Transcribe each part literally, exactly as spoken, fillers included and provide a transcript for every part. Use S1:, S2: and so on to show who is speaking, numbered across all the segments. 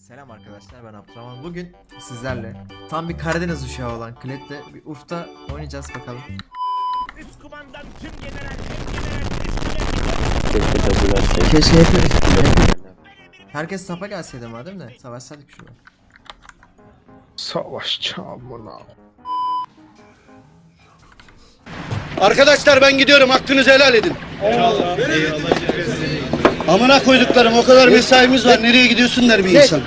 S1: Selam arkadaşlar, ben Abdurrahman. Bugün sizlerle tam bir Karadeniz uşağı olan Klet'le bir ufta oynayacağız bakalım.
S2: Üst kumandan tüm general, tüm general,
S1: Keşke hep herkes tapa gelseydi madem de savaşsaydık şurada.
S3: Savaş çamına.
S4: Arkadaşlar ben gidiyorum, hakkınızı helal edin. Eyvallah. Amına koyduklarım, o kadar mesaimiz var, nereye gidiyorsun der bir insan.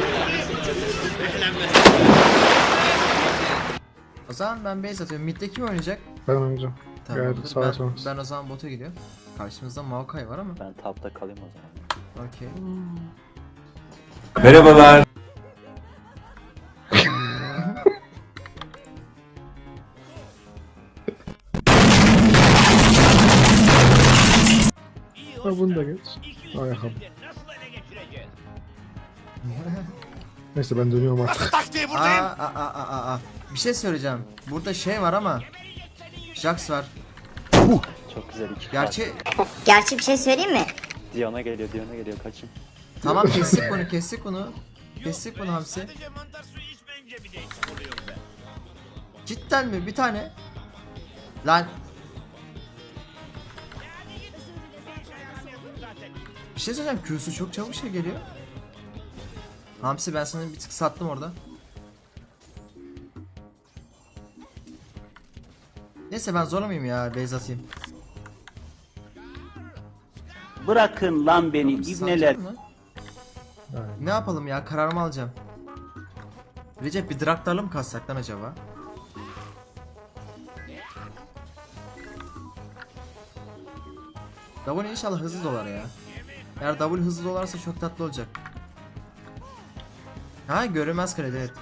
S1: O zaman ben base atıyorum. Mid'de kim oynayacak?
S3: Ben oynayacağım.
S1: Tamamdır.
S3: Geldi, sağa
S1: Ben,
S3: sonra.
S1: ben o zaman bota gidiyorum. Karşımızda Maokai var ama.
S5: Ben tapta kalayım o zaman.
S1: Okey.
S6: Merhabalar.
S3: Ha bunu da geç. Ayakkabı.
S2: nasıl ele geçireceğiz?
S3: Neyse ben dönüyorum artık.
S2: Taktiği
S1: Aa,
S2: buradayım.
S1: aa, aa, aa, aa. Bir şey söyleyeceğim. Burada şey var ama. Jax var.
S5: Çok güzel iki
S1: Gerçi
S7: Gerçi bir şey söyleyeyim mi?
S5: Diana geliyor, Diana geliyor, kaçın.
S1: tamam kestik bunu, kestik bunu. Kestik bunu hamsi.
S2: Sadece mantar suyu içmeyince bir değişik oluyor be.
S1: Cidden mi? Bir tane. Lan bir şey söyleyeceğim. Q'su çok çabuk şey geliyor. Hamsi ben sana bir tık sattım orada. Neyse ben zorlamayayım ya, base atayım.
S8: Bırakın lan beni ibneler.
S1: Satacak mı? Ne yapalım ya, kararımı alacağım. Recep bir Draktar'la mı kassak lan acaba? W inşallah hızlı dolar ya. Eğer W hızlı dolarsa çok tatlı olacak. Ha, görünmez kredi, evet.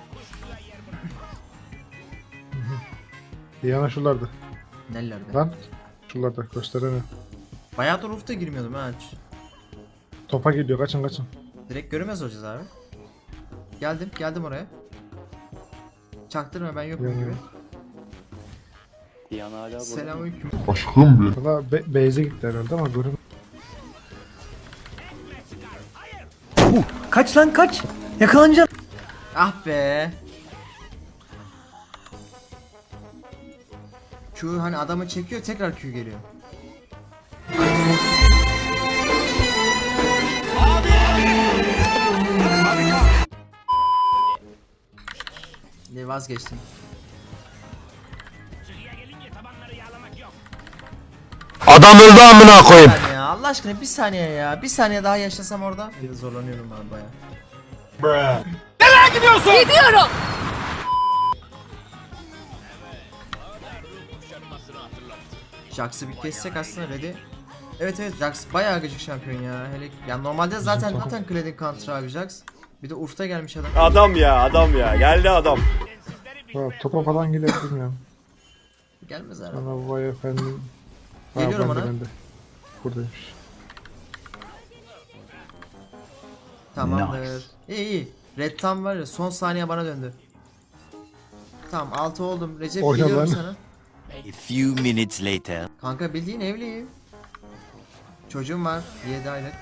S3: Diana şuralarda.
S1: Nelerde?
S3: Lan. Şuralarda gösterene.
S1: Bayağı da roof'ta girmiyordum ha.
S3: Topa gidiyor, kaçın kaçın.
S1: Direkt görünmez olacağız abi. Geldim, geldim oraya. Çaktırma, ben yokum
S3: Yani.
S1: gibi.
S5: Diana hala burada.
S1: Selamünaleyküm.
S3: Valla be base'e gitti herhalde ama görün.
S9: Kaç lan kaç. Yakalanacaksın.
S1: Ah be. Q hani adamı çekiyor, tekrar Q geliyor. Ne vazgeçtim.
S2: Çıkıya gelince tabanları yağlamak yok.
S6: Adam öldü amına koyayım.
S1: Bir saniye ya, Allah aşkına bir saniye ya. Bir saniye daha yaşasam orada. Bir de zorlanıyorum abi baya. Jax'ı bir kessek aslında ready. Evet evet, Jax bayağı gıcık şampiyon ya. Hele ya normalde zaten zaten Kled'in counter abi Jax. Bir de Urf'ta gelmiş adam.
S6: Adam ya adam ya geldi adam.
S3: Ha, topa falan gidelim ya.
S1: Gelmez abi.
S3: Ana vay efendim. Ha,
S1: Geliyorum
S3: ben de,
S1: ona.
S3: ben de. Buradaymış.
S1: Tamamdır. İyi iyi. Red tam var ya, son saniye bana döndü. Tamam, altı oldum. Recep
S3: Oyna
S1: geliyorum
S3: lan.
S1: sana.
S6: A few minutes later.
S1: Kanka bildiğin evliyim. Çocuğum var, yedi aylık.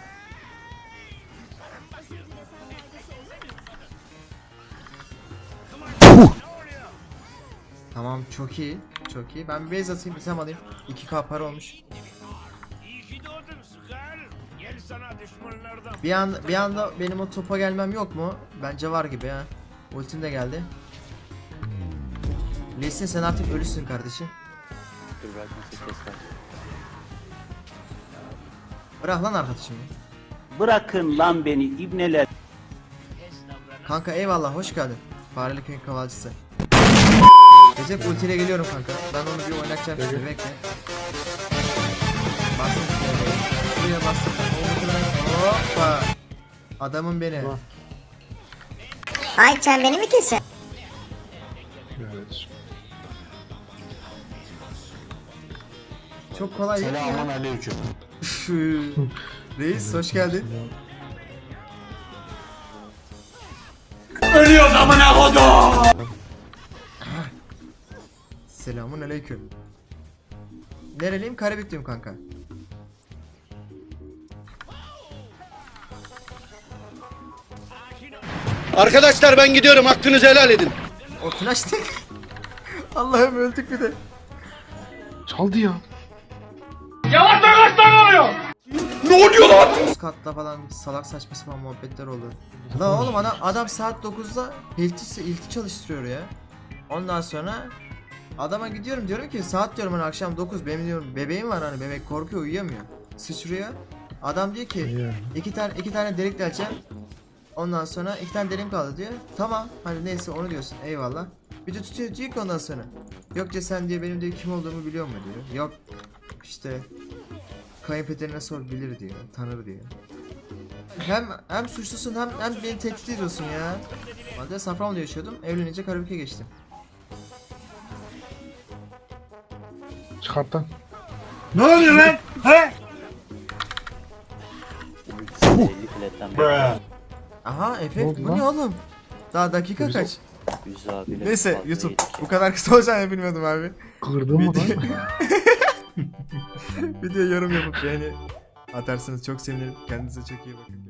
S1: Tamam, çok iyi. Çok iyi. Ben bir base atayım, bir tem alayım. iki K para olmuş.
S2: İyi ki doğdun Skar. Gel sana düşmanlardan.
S1: Bir anda bir anda benim o topa gelmem yok mu? Bence var gibi ha. Ultim de geldi. Lesin, sen artık ölüsün kardeşim.
S5: Dur belki nasıl kesler.
S1: Bırak lan arkadaşım.
S8: Bırakın lan beni ibneler.
S1: Kanka eyvallah, hoş geldin. Fareli köyün kavalcısı. Recep ultiyle geliyorum kanka. Ben onu bir oynatacağım şimdi, bekle. Bastım şuraya. Şuraya bastım. Hoppa. Adamım beni.
S3: Tamam.
S7: Ay sen beni mi kesiyorsun?
S3: Evet.
S1: Çok kolay değil mi ya?
S6: Selamun aleyküm.
S1: Reis hoş geldin.
S6: Ölüyoruz amına kodum.
S1: Selamun aleyküm. Nereliyim? Karabikliyim kanka.
S2: Akin
S4: Arkadaşlar ben gidiyorum. Hakkınızı helal edin.
S1: O flash tek. Allah'ım öldük bir de.
S3: Çaldı ya.
S1: Üst katta falan salak saçma sapan muhabbetler olur. La oğlum adam, adam saat dokuzda hilti, hilti çalıştırıyor ya. Ondan sonra adama gidiyorum diyorum ki saat diyorum hani akşam dokuz benim diyorum bebeğim var hani bebek korkuyor uyuyamıyor. Sıçrıyor. Adam diyor ki
S3: Ya.
S1: iki tane iki tane delik deleceğim. Ondan sonra iki tane deliğim kaldı diyor. Tamam hani neyse onu diyorsun eyvallah. Bir de tutuyor diyor ki ondan sonra. Yok diyor sen diyor benim diyor kim olduğumu biliyor mu diyor. Yok işte kayınpederine sor bilir diyor tanır diyor. Hem hem suçlusun hem hem beni tehdit ediyorsun ya. Ben de Safranbolu'da yaşıyordum. Evlenince Karabük'e geçtim.
S3: Çıkarttan.
S2: Ne oluyor lan? He?
S5: elli platten bir
S1: Aha
S3: Ne
S1: efekt
S3: oldu
S1: bu
S3: lan?
S1: ne oğlum? Daha dakika
S3: Güzel.
S1: kaç?
S5: yüz abiyle
S1: Neyse
S5: fazla
S1: YouTube
S5: yedik.
S1: bu kadar kısa olacağını bilmiyordum abi.
S3: Kırdın mı lan?
S1: Video yorum yapıp beğeni atarsınız çok sevinirim. Kendinize çok iyi bakın.